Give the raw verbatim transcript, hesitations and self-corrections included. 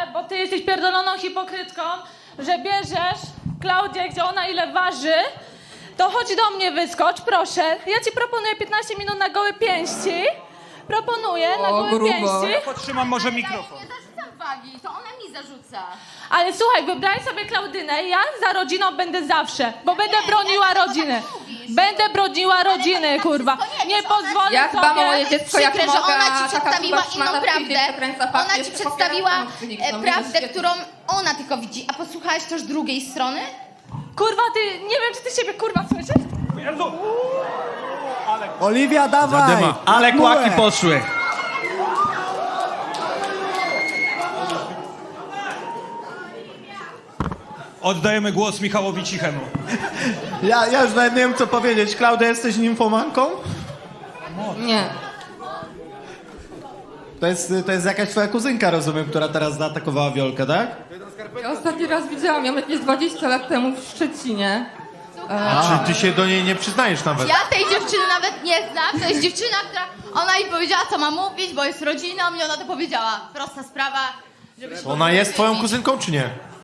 bo ty jesteś pierdoloną hipokrytką, że bierzesz Klaudię, gdzie ona ile waży, to chodź do mnie, wyskocz, proszę. Ja ci proponuję piętnaście minut na gołe pięści. Proponuję na O, gołe grubo. pięści. Podtrzymam może mikrofon. Ja nie zarzucam wagi, to ona mi zarzuca. Ale słuchaj, wybraj sobie Klaudynę i ja za rodziną będę zawsze, bo będę nie, broniła ja tego rodziny. tak mówisz. Będę broniła to rodziny, tak kurwa. wszystko nie Nie wiesz, ona- pozwolę Ja dbam o moje sobie... dziecko jak Przykre, że mogę, ona a ci taka przedstawiła kurwa szmata inną w prawdę. piwie przekręca fakt, Ona ci jeszcze przedstawiła popiera tą psychiczną. e, prawdę, Widzisz, którą ona tylko widzi. A posłuchałaś też drugiej strony? Kurwa, ty, nie wiem, czy ty siebie, kurwa, słyszysz? Jezu! Oliwia, dawaj! Zadyma. Ale Bułę. kłaki poszły. Oddajemy głos Michałowi Cichemu. Ja, ja już nawet nie wiem, co powiedzieć. Klaudia, jesteś nimfomanką? Nie. To jest, to jest jakaś twoja kuzynka, rozumiem, która teraz zaatakowała Wiolkę, tak? Ja ostatni raz widziałam ją jakieś dwadzieścia lat temu w Szczecinie. A czy ty się do niej nie przyznajesz nawet? Ja tej dziewczyny nawet nie znam. To jest dziewczyna, która... Ona mi powiedziała, co ma mówić, bo jest rodziną i ona to powiedziała. Prosta sprawa, żeby się Ona jest twoją porozumieć. kuzynką, czy nie?